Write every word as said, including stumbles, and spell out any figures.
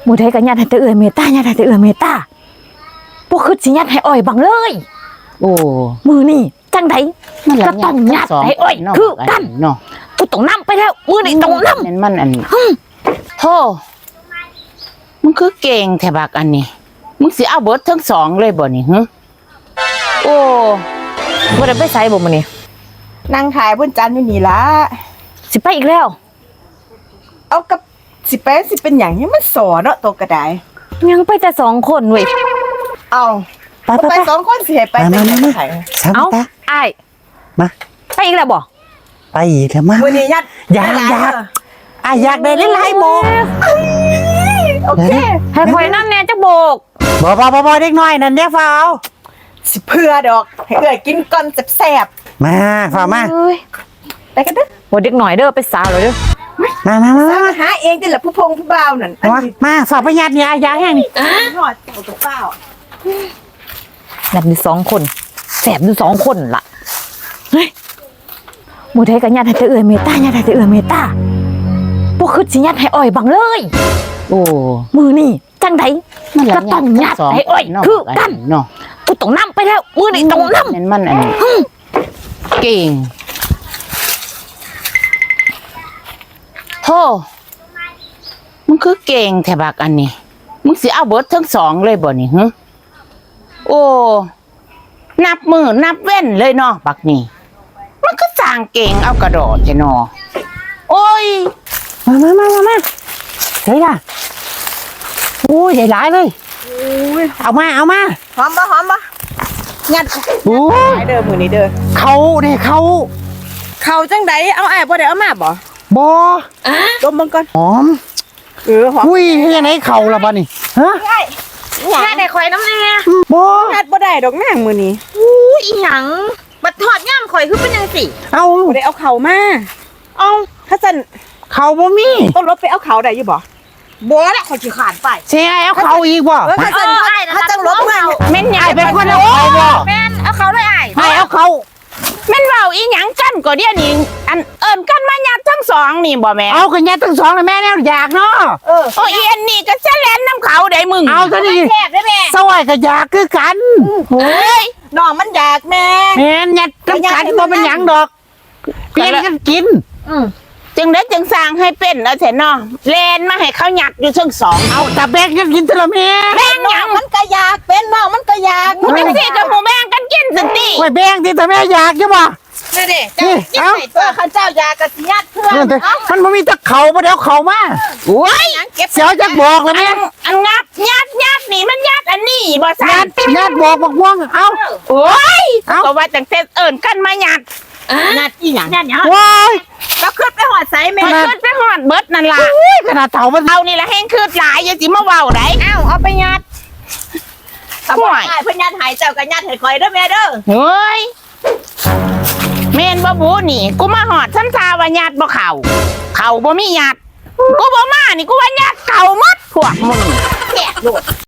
หมู่ไทยก็ยัดให้แต่เอื้อยเมตตายัดให้แต่เอื้อยเมตตาบ่คือสิยัดให้อ้อยบังเลยโอ้มือนี่จังไดมันก็ต้องยัดให้อ้อยคือกันเนาะกูต้องนำไปแล้วมือนี่ต้องนำมันมันอันโธ่มึงคือเก่งแถบักอันนี้มึงสิเอาเบิดทั้งสองเลยบ่นี่ฮะโอ้บ่ได้ไปไสบ่มื้อนี้นั่งขายบนจันทร์อยู่นี่ละสิไปอีกแล้วเอากับสิไปสิเป็นอย่างนี้มันสอเนาะตัวกระไดยังไปแต่สองคนเว้ยเอาไปไปสองคนสิให้ไปแต่ไหนไปเอ้าอ้ายมาไปอีกแล้วบ่ไปอีกแล้วมาวันนี้ยัดอยากอยากอ่ะอยากได้หลายๆโบกโอเคให้ข่อยนำแน่จักโบกบ่บ่บ่บ่เด็กน้อยนั่นเด้ฟ้าเอาสิเพื่อดอกให้เอื้อยกินก่อนแซ่บๆมาฟ้ามาไปกันเด้อบ่เด็กน้อยเด้อไปสาวเลยเด้อมามามาหาเองติล่ะผู้พงผู้บ่าวนั่นมาฝากไปยัดเนี่ยอยากแห้งนี่หอดเจ้าตัวเปล่ายัดอยู่สองคนแซ่บอยู่สองคนล่ะเฮ้ยหมู่ไทยก็ยัดให้แต่เอื้อยเมตตายัดให้แต่เอื้อยเมตตาบ่คือสิยัดให้อ้อยบังเลยโอ้มือนี่จังไดก็ต้องยัดให้อ้อยคือกันเนาะกูต้องนำไปแล้วมือนี่ต้องนำมันมันอันเก่งโธ่มึงคือเก่งแถบักอันนี้มึงสิเอาเบิดทั้งสองเลยบ่นี่ฮะโอ้นับมือนับเว้นเลยเนาะบักนี่มันก็สร้างเก่งเอากระโดดใช่เนาะโอ้ยมามามามามาเฮ้ยล่ะโอ้ยใหญ่หลายเลยเอามาเอามาหอมบ่หอมบ่ยัดโอ้ยเด้อมื้อนี้เด้อเขาเนี่ยเขาเขาจังไดเอาอ้ายบ่ได้เอามาบ่บ่ดมเบิ่งก่อนหอมเออหอมอุ้ยเฮ็ดจังได๋เขาล่ะบัดนี้ฮะยัดให้ข่อยน้ำแน่บ่ยัดบ่ได้ดอกนางมื้อนี้อู้อีหยังบัดทอดย่ำข่อยคือเป็นจังซี่เอ้าบ่ได้เอาเขามาเอาถ้าซั่นเขาบ่มีต้องรถไปเอาเขาได้อยู่บ่บ่ละข่อยสิขานไปสิเอาเขาอีกบ่เออถ้าซั่นถ้าจังรถมาแม่นใหญ่เป็นคนเอาเขาบ่แม่นเอาเขาเลยอ้ายให้เอาเขาแม่นเว้าอีหยังกันก็เดี๋ยวนี้อันเอิ้นกันมายัดทั้งสองนี่บ่แม่เอาก็ยัดทั้งสองเลยแม่แนวอยากเนาะเออโอ้อีอันนี้ก็แซแลนน้ำเขาได้มึงเอาซะดิแซ่บได้แม่สวยก็อยากคือกันเฮ้ยน้องมันอยากแม่แม่นยัดน้ำกันบ่เป็นหยังดอกเปลี่ยนกันกินอือจึงได้จึงสร้างให้เป็นแล้วแท้เนาะแลนมาให้เขาหยักอยู่ทั้งสองเอาแต่แบ่งกันกินเถอะแม่แบ่งหยังมันก็อยากเป็นน้องมันก็อยากมึงจังซี่ก็หูแบ่งกันกินสิติโอ้ยแบ่งติแต่แม่อยากอยู่บ่นี่ดิเจ้ากินให้เพื่อข้าเจ้าอยากก็สิยัดเพื่อมันบ่มีตะเขาบ่เดี๋ยวเขามาโอ้ยเสียวจักบอกแล้วแม่อันงัดยัดยัดนี่มันยัดอันนี้บ่ซั่นยัดยัดบอกบอกว่างเอ้าโอ้ยก็ว่าจังแต่เอิ้นกันมายัดยัดอีหยังยัดหยังว้ายแล้วขึ้นไปหอดไสแม่ขึ้นไปหอดเบิดนั่นล่ะขนาดเฒ่ามันเอานี่ละแห้งคืดหลายอย่าสิมาเว้าได้อ้าวเอาไปยัดทำไมเพิ่นยัดให้เจ้าก็ยัดให้ข่อยเด้อแม่เด้อเฮ้ยแม่นบ่บูนี่กูมาหอดซ้ำซาว่ายัดบ่เข้าเข้าบ่มียัดกูบ่มานี่กูว่ายัดเก่าหมดพวกมึงแซ่บโลด